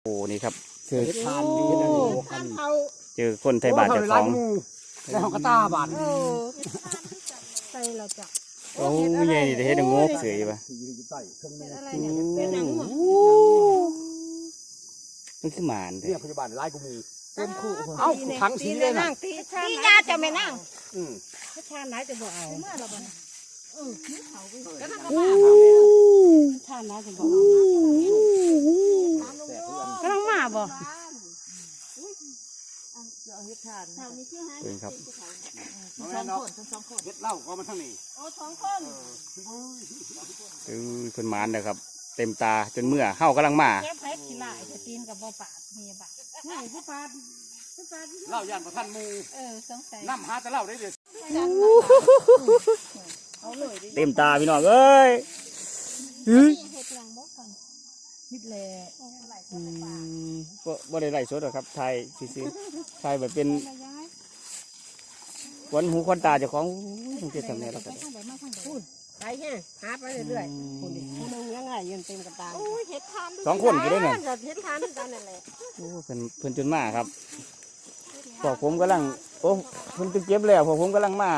โอ้นี่ครับเจอทานดีนะกันเจอคนไทยบ้านเจ้าของแล้วเขาก็ตาบาดใส่เราจะโอ้ยใหญ่นี่เฮ็ดงกเสยป่ะอะไรเนี่ยเป็นหนังหมดมันคือหมานเรีเด้ยกพยาบาลไล่กูมีเต็มคู่เอ้าเอ้าขังสีเลยนะตีญาจะไม่นั่งชาติไหนจะบอกเอาเมื่อเราบ่ก็นั่งชาติไหนจะบอกเอาก็ต้องมาบ่เป็นครับเฮ็ดเหล้าก็มันทั้งนี้โอ้สองคนเพิ่นหมานนะครับ เต็มตาจนเมื่อเฮากำลังมาแค่แพ็กขี้ลายจะตีนกับบ่ปาดมีบาดนี่ผู้ปาดเหล้าย่านประทันมูสงสัยน้ำหาแต่เหล้าได้เด้อเต็มตาพี่น้องเอ้ยเฮ็ดหลังบ่ฟังคิดแลบ่ได้ไล่สดหรอกครับไทยซื่อๆไทยแบบเป็นขวัญหูขวัญตาเจ้าของต้องเก็บทำแน่แล้วกันไปแห้งหาไปเรื่อยๆคนนึงยังไงยืนเต็มกระตาโอ้ยเฮ็ดทานสองคนอยู่ด้วยเนี่ยเฮ็ดทานด้วยกันนั่นแหละโอ้เพิ่นจนมาครับพวกผมกำลังโอ้เพิ่นเก็บแล้วพวกผมกำลังมา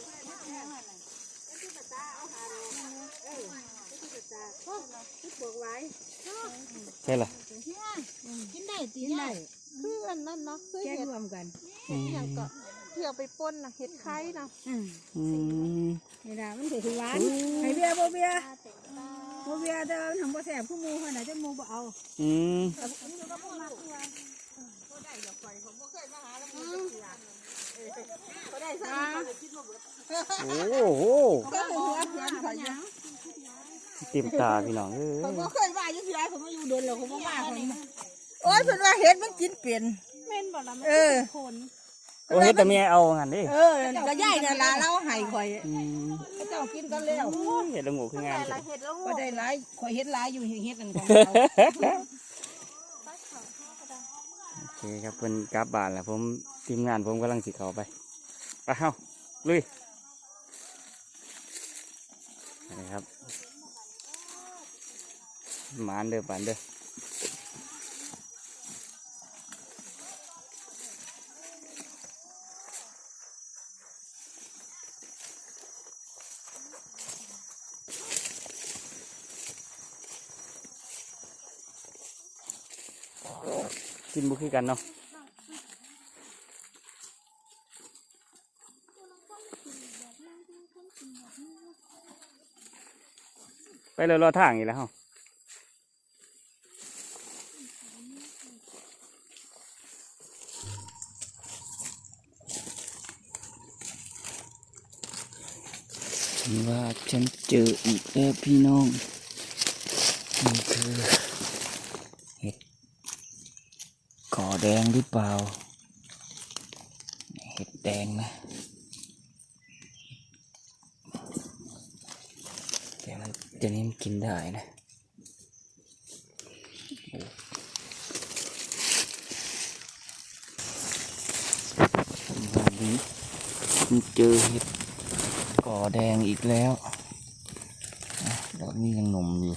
ใช่ล่ะกินได้ตีได้คืออันนั้นเนาะคือแก้เฮ็ดรวมกันอย่างก็เที่ยวไปป่นน่ะเฮ็ดไข่น่ะอืมนี่นะมันถือหวานให้เบียร์บ่เบียร์บ่เบียร์เด้อทำบ่แซ่บผู้มูขนาดจะมูบ่เอาอืมโอ้โหก็หัวเพื่อนเขาอยู่เต็มตาพี่น้องเอ้ยเขาบ่เคยว่าอยู่ที่ไรเขามาอยู่โดนแล้วเขาบ่มาเขาโอ้ยเพิ่นว่าเฮ็ดมันกินเป็นแม่นบ่ล่ะมันเป็นคนโอ้เฮ็ดแต่เมียเอางั้นดิก็ยายน่ะล่ะเราให้ข่อยอืมเจ้ากินกันแล้วเฮ็ดละงูคืองามแต่จัละงเฮ็ดแล้วก็ได้หลายข่อยเฮ็ดหลายอยู่เฮ็ดนั่นของเราโอเคครับเพิ่นกลับบ้านแล้วผมทีมงานผมกำลังสิเข้าไปไปเฮาลุยนี่ครับหมานเด้อปานเด้อกินบุคือกันเนาะไปเลยรอทางอีกแล้วเฮาว่าฉันเจออีกแล้วพี่น้องนี่คือเห็ดก่อแดงหรือเปล่าเห็ดแดงนะแต่มันจะนี้มันกินได้นะวันนี้ผมเจอเห็ดก่อแดงอีกแล้วดอกนี้ยังหนุ่มอยู่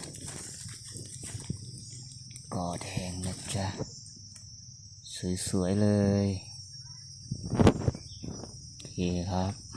ก่อแดงนะจ๊ะสวยๆเลยโอเคครับ